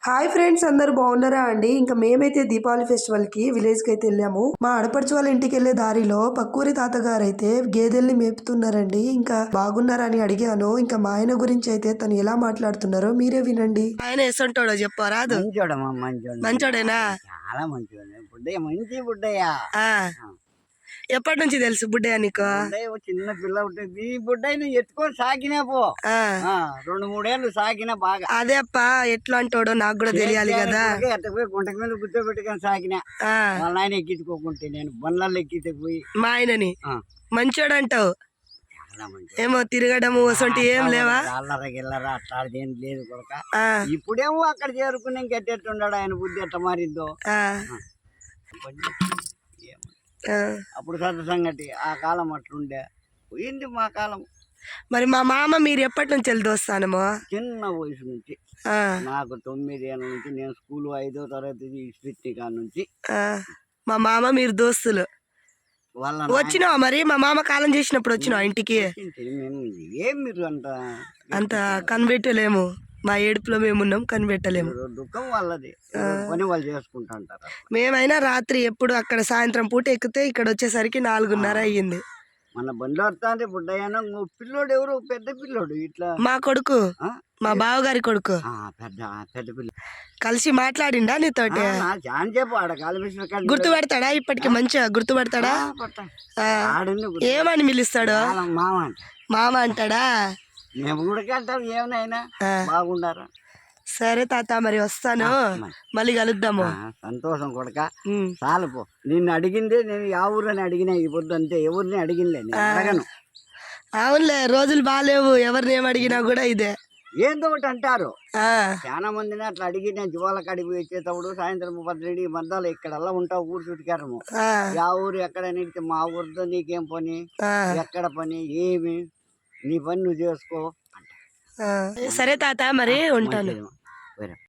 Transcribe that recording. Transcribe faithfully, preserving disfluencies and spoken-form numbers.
Hi friends, అందరు బాగున్నారా అండి? ఇంకా మేమైతే దీపావళి ఫెస్టివల్ కి విలేజ్ కి అయితే వెళ్ళాము. మా ఆడపడుచు వాళ్ళ ఇంటికి వెళ్లే దారిలో పక్కూరి తాతగారు అయితే గేదెల్ని మేపుతున్నారండి. ఇంకా బాగున్నారని అడిగాను. ఇంకా మా ఆయన గురించి అయితే తను ఎలా మాట్లాడుతున్నారో మీరే వినండి. ఆయన ఎసంటోడో చెప్పరాదు. మంచోడమ్మా, మంచోడు, మంచోడేనా? చాలా మంచోడు. బుడ్డయ్య మంచి బుడ్డయ్య. ఎప్పటి నుంచి తెలుసు బుడ్డయ్య నీకు? బుడ్డయ్య చిన్న పిల్ల ఉంటుంది. ఈ బుడ్డయ్యని ఎత్తుకొని సాకినా పో రెండు మూడేళ్ళు సాకినా బాగా. అదే అప్ప ఎట్లా అంటాడో నాకు కూడా తెలియాలి కదా. ఎత్తపోయి గుంటకి మీద కూర్చోబెట్టుకొని సాకినా వాళ్ళ ఆయన ఎక్కించుకోకుంటే నేను బండ్లలో ఎక్కిపోయి మా ఆయనని మంచోడు అంటావు. ఏమో తిరగడము అసలు ఏం లేవా? అల్లరా గిల్లరా అట్లాంటిది ఏం లేదు కొడక. ఇప్పుడేమో అక్కడ చేరుకుని ఇంకెట్టెట్టున్నాడు ఆయన బుద్ధి ఎట్ట మారిందో. అప్పుడు సత్త సంగతి ఆ కాలం అట్లుండే పోయింది మా కాలం. మరి మా మామ మీరు ఎప్పటి నుంచి వెళ్ళి దోస్తానమో? చిన్న వయసు నుంచి నాకు తొమ్మిది ఏళ్ళ నుంచి నేను స్కూల్ ఐదో తరగతి ఇస్పిత్తి కాడ నుంచి మా మామ మీరు దోస్తులు. వచ్చినావా మరి? మా మామ కాలం చేసినప్పుడు వచ్చినావా ఇంటికి? ఏం మీరు అంత అంత కనిపెట్టలేము, మా ఏడుపులో మేమున్నాం కనిపెట్టలేము. దుఃఖం వాళ్ళది, పని వాళ్ళు చేసుకుంటా అంటారు. మేమైనా రాత్రి ఎప్పుడు అక్కడ సాయంత్రం పూట ఎక్కితే ఇక్కడ వచ్చేసరికి నాలుగున్నర అయ్యింది. మన బండి వస్తాంటే బుడ్డయ్యాన పిల్లోడు ఎవరు పెద్ద పిల్లోడు ఇట్లా మా కొడుకు, మా బావగారి కొడుకు పెద్ద పెద్ద పిల్ల కలిసి మాట్లాడిండా నీతోటి? గుర్తు పెడతాడా ఇప్పటికి? మంచిగా గుర్తు పెడతాడా? ఏమని పిలుస్తాడు? మామ అంటాడా? మేము కూడా వెళ్తాం ఏమైనా బాగుండారా. సరే తాత మరి వస్తాను, మళ్ళీ కలుద్దాము. సంతోషం కొడక. చాలు పో, నిన్ను అడిగిందే నేను యా ఊరని అడిగినా ఈ పొద్దు అంతే, ఎవరిని అడిగినలే అడగను. అవునులే, రోజులు బాగాలేవు, ఎవరిని ఏం అడిగినా కూడా ఇదే ఏందో ఒకటి అంటారు. చాలా మందిని అట్లా అడిగి నేను జీవాల కడిగి వచ్చేటప్పుడు సాయంత్రం పద్దెనిమిది మధ్యలో ఇక్కడల్లా ఉంటావు ఊరు చుట్టుకారము. యా ఊరు ఎక్కడ నిడితే మా ఊరితో నీకేం పని, ఎక్కడ పని, ఏమి నీ పని నువ్వు చేసుకో. సరే తాత మరి ఉంటాను.